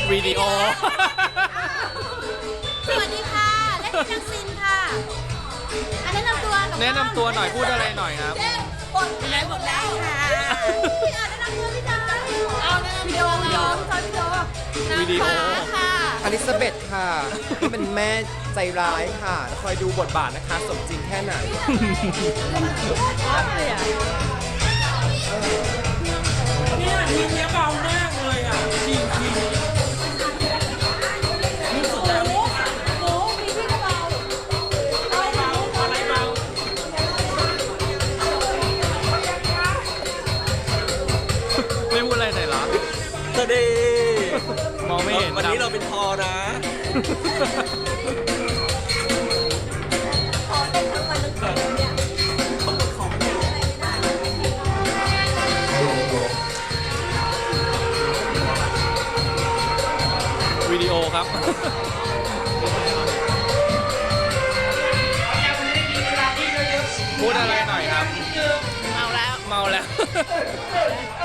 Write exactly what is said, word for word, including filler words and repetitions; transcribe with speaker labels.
Speaker 1: วิดีโอ
Speaker 2: สวัสดีค่ะเล่นนังซินค่ะอันแนะนำตัวกับ
Speaker 1: แนะนำตัวหน่อยพูดอะไรหน่อยครับ
Speaker 2: บทไหนบทได้ค่ะพี่อาแนะนำตัวพี่จอยเอาวิดีโอวิดีโอพี่จอยวิดีโอ
Speaker 1: วิดีโอ
Speaker 2: ค่ะ
Speaker 3: อลิซาเบธค่ะที่เป็นแม่ใจร้ายค่ะ คอยดูบทบาทนะคะ สมจริงแค่ไหน
Speaker 4: เนี่ยทีมเนี้ยเบามากเลยอ่ะจริงจริงนี่สุดแล้วนี่
Speaker 2: หมูมีพี่กระเป๋า
Speaker 4: เบาอะไรเบา
Speaker 1: ไม่พูดอะไรหน่อยเหรอ
Speaker 4: สวัสดี
Speaker 1: มองไม่เห็น
Speaker 4: วันนี้เราเป็นทอนะ
Speaker 2: ขอเต้นทั้งวันทั้งคืนเนี่ย
Speaker 1: วิดีโอครับ พูดอะไรหน่อยครับ เมาแล้ว เมาแล้ว